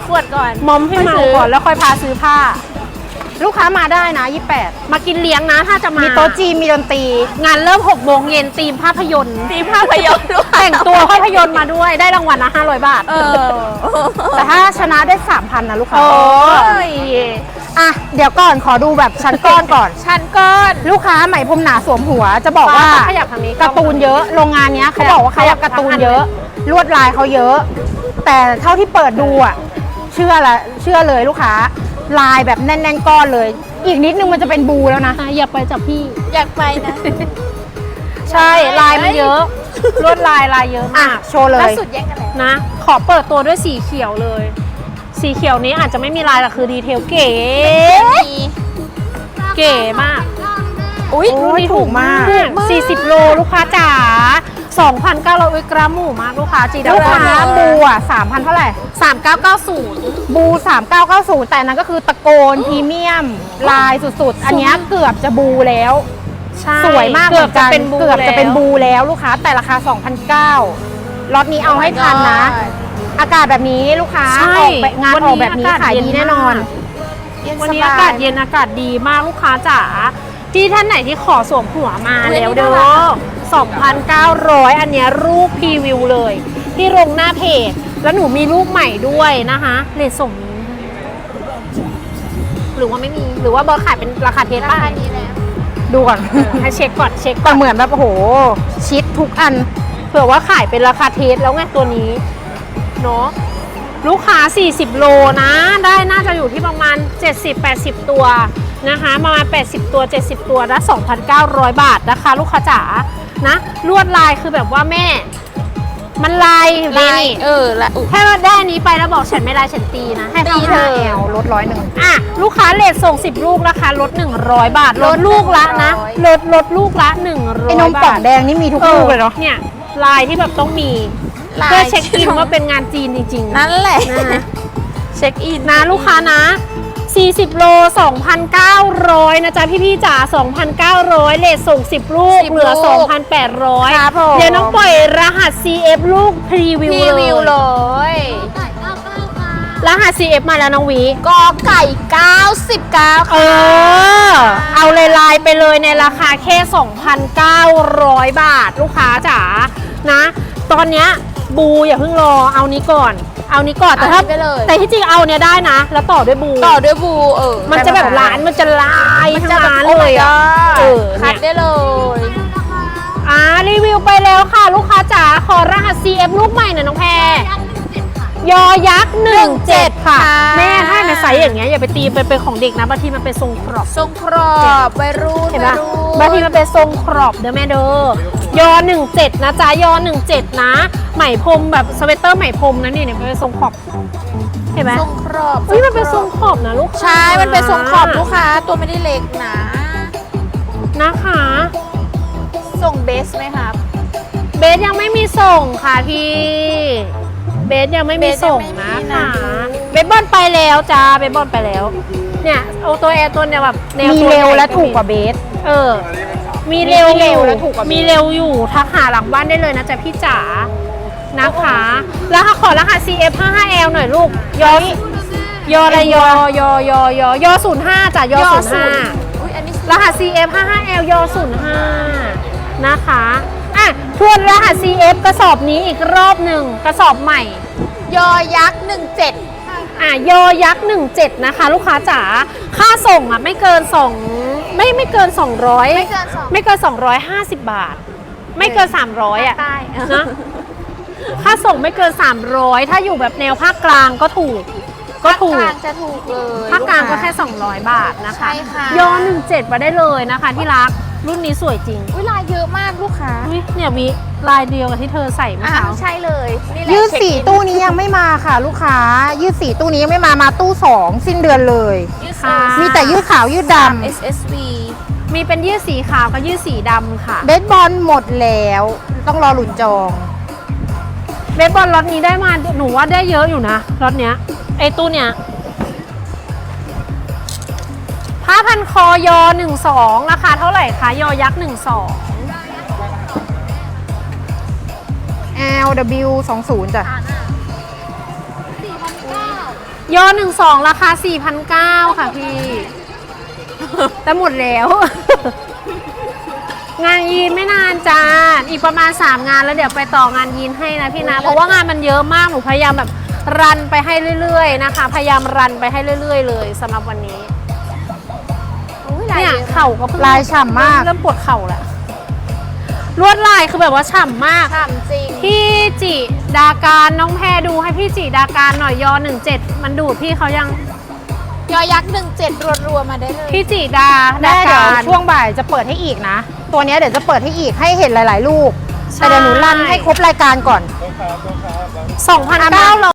ขวดก่อนมอมให้เมาก่อนแล้วค่อยพาซื้อผ้าลูกค้ามาได้นะ28 มากินเลี้ยงนะถ้าจะมามีโต๊ะจีนมีดนตรีงานเริ่ม6 โมงเย็นธีมภาพยนตร์ตีภาพยนตร์ด้วยแต่งตัวภาพยนตร์มาด้วยได้รางวัลนะ500 บาทแต่ถ้าชนะได้ 3,000นะลูกค้าโอ้ยอ่ะเดี๋ยวก่อนขอดูแบบชั้นก้อนก่อนชั้นก้อนลูกค้าไหมพรมหนาสวมหัวจะบอกว่าขยับทางนี้การ์ตูนเยอะโรงงานเนี้ยเขาบอกว่าเขาการ์ตูนเยอะลวดลายเขาเยอะ แต่เท่าที่เปิดดูอ่ะเชื่อเลยลูกค้าลายแบบแน่นๆก้อนเลย อีกนิดนึงมันจะเป็นบูแล้วนะอย่าไปจับพี่อยากไปนะใช่ลายมันเยอะลวดลายเยอะอ่ะมากโชว์เลล่าย สุดแย่งกันเลยนะ ขอเปิดตัวด้วยสีเขียวเลย สีเขียวนี้อาจจะไม่มีลายแต่คือดีเทลเก๋ เก๋มากอุ้ยโอ้ยถูกมาก 40 โลลูกค้าจ๋า 2,900 กรัมหมูมากลูกค้าจีดาลูกค้าบูอ่ะ3,000เท่าไหร่ 3990 บู 3990 แต่อันนั้นก็คือตะโกนพรีเมียมลายสุดๆ อันเนี้ยเกือบจะบูแล้วใช่สวยมากเหมือนกันเกือบจะเป็นบูแล้วลูกค้าแต่ราคา 2,900ล็อตนี้เอาให้ทันนะ อากาศแบบนี้ลูกค้าใช่ออกแบบงานออกแบบนี้ขายดีแน่นอนวันนี้อากาศเย็นอากาศดีมากลูกค้าจ๋าที่ท่านไหนที่ขอสวมหัวมาแล้วเด้อ 2,900 อันเนี้ยรูปพรีวิวเลย ที่ลงหน้าเพจ แล้วหนูมีรูปใหม่ด้วยนะคะเลทส่งนี้หรือว่าไม่มีหรือว่าบอสขายเป็นราคาเทสราป่ะคานี้แล้วดูก่อนให้เช็คก่อนเช็คก่แต่อนเหมือนแบบโอ้โหชิดทุกอันเผื่อว่าขายเป็นราคาเทสแล้วไงตัวนี้เนาะลูกค้า 40 โลนะ ได้น่าจะอยู่ที่ประมาณ 70-80 ตัวนะคะประมาณ80 ตัว 70 ตัวละ2,900 บาทนะคะลูกค้าจ๋านะลวดลายคือแบบว่าแม่ มันลายอยู่ดีลายนี่ละอุ๊ยถ้าได้อันนี้ไปแล้วบอกฉันไม่ลายฉันตีนะให้ตีเขาเธให้อลด100 อ่ะลูกค้าเลทส่ง10 ลูกราคาลด100 บาทลดลูกละนะลดลูกละ100 ไอ้นมป่องแดงนี่มีทุกลูกเลยเนาะเนี่ยลายที่แบบต้องมีลายเพื่อเช็คอินว่าเป็นงานจีนจริงๆนั่นแหละนะเช็คอินนะลูกค้านะ 40 โล 2,900 นะจ๊ะพี่ๆจ๋า 2,900 เลทส่ง 10 ลูก เหลือ 2,800 ครับผมเดี๋ยวน้องปล่อยรหัส CF ลูกพรีวิวรีวิวเลเลย ยรหัส CF มาแล้วน้องวีกอไก่ 99 เอค่ะอ เอาเลยลายไปเลยในราคาแค่ 2,900 บาท ลูกค้าจ๋า นะ ตอนเนี้ยบูอย่าเพิ่งรอ เอานี้ก่อน เอานี้ก่อน แต่ถ้าเอานี้ไปเลยแต่ที่จริงเอาเนี้ยได้นะ แล้วต่อด้วยบูต่อด้วยบูมันจะแบบร้านมันจะลายมันทั้งจะแบบร้านโอ้เลย my อ่ะ god เออคัดเนี่ยได้เลยรีวิวไปแล้วค่ะ ลูกค้าจ๋าขอรหัส CF ลูกใหม่หน่อยน้องแพรยอยักษ์17 ค่ะ แม่ถ้าในไซส์อย่างเงี้ยอย่าไปตีเป็นของเด็กนะบางทีมันเป็นทรงครอบทรงครอบวัยรุ่นเห็นปะวับาย งทีรุ่นมันเป็นทรงครอบเด้อแม่เด้อยอ17นะจ๊ะยอ17นะไหมพรมแบบสเวตเตอร์ไหมพรมนะนี่เนี่ยเป็นทรงขอบเห็นไหมทรงครอบเฮ้ยมันเป็นทรงขอบนะลูกค้าใช่ มันเป็นทรงขอบลูกค้า ตัวไม่ได้เล็กนะนะคะทรงเบสไหมครับเบสยังไม่มีส่งค่ะพี่เบสยังไม่มีส่งนะเบสยังไม่มีนะค่ะเบสบอลไปแล้วจ้าเบสบอลไปแล้วเนี่ยเอาตัวแอร์ตัวเนี่ยแบบแนวมีตัวเร็วใหญ่และถูกกว่าเบสเออมีเร็วมีเร็อยู่วและถูกกว่าเบสมีเร็วอยู่ทักหาหลังบ้านได้เลยนะจ๊ะพี่จ๋านะคะแล้วขอรหัส CF 55L หน่อยลูกยออะไรยอ05จ้ะยอ05 อุ้ยอันนี้รหัส CF 55L ย05นะคะอ่ะทวนรหัส CF กระสอบนี้อีกรอบหนึ่งกระสอบใหม่ยอยักษ์17 ยอยักษ์17นะคะลูกค้าจ๋าค่าส่งอ่ะไม่เกิน2ไม่เกิน200 ไม่เกิน2 ไม่เกิน250 บาท ไม่เกิน300อ่ะใต้นะค่าส่งไม่เกิน300ถ้าอยู่แบบแนวภาคกลางก็ถูกก็ถูภาคกกลางจะถูกเลยภาคกลางก็แค่ลู 200 บาทนะคะใช่ค่ะยอ17มาได้เลยนะคะที่รักรุ่นนี้สวยจริงอุ้ยลายเยอะมากลูกค้าอุ๊ยเนี่ยมีลายเดียวกับที่เธอใส่เมื่ออ่ะเช้าใช่เลยนี่แหละยืดเช็คสีอินตู้นี้ยังไม่มาค่ะ ลูกค้า ยืดสีตู้นี้ยังไม่มาตู้2สิ้นเดือนเลยยืดค่ะมีแต่ยืดขาวยืดด SSV มีเป็นยืดสีขาวกับยืดสีดำค่ะำเบสบอลหมดแล้วต้องรอหลุนจองเบสบอลล็อตนี้ได้มาหนูว่าได้เยอะอยู่นะล็อตเนี้ยไอ้ตู้เนี้ยผ้าพันคอยอ12ราคาเท่าไหร่คะยอยักษ์12 LW 20จ้ะยอ12ราคา 4,900 ค่ะพี่ แต่หมดแล้ว งานยีนไม่นานจ้า อีกประมาณ3งานแล้วเดี๋ยวไปต่องานยีนให้นะพี่นะ เพราะว่างานมันเยอะมาก หนูพยายามแบบรันไปให้เรื่อยๆนะคะ พยายามรันไปให้เรื่อยๆเลยสำหรับวันนี้อุ๊ยลายเนี่ยเยอะเข่าก็เพิ่งลายฉ่ำมากเริ่มปวดเข่าแล้วลวดลายคือแบบว่าฉ่ำมากฉ่ำจริงพี่จิดาการน้องแพรดูให้พี่จิดาการหน่อยยอ17มันดูดพี่เขายังยอยักษ์17รัวๆมาได้เลยพี่จิดาแม่เดี๋ยวการช่วงบ่ายจะเปิดให้อีกนะ ตัวเนี้ยเดี๋ยวจะเปิดให้อีกให้เห็นหลาย ๆ ลูกใช่แต่เดี๋ยวหนูรันให้ครบรายการก่อน 2,900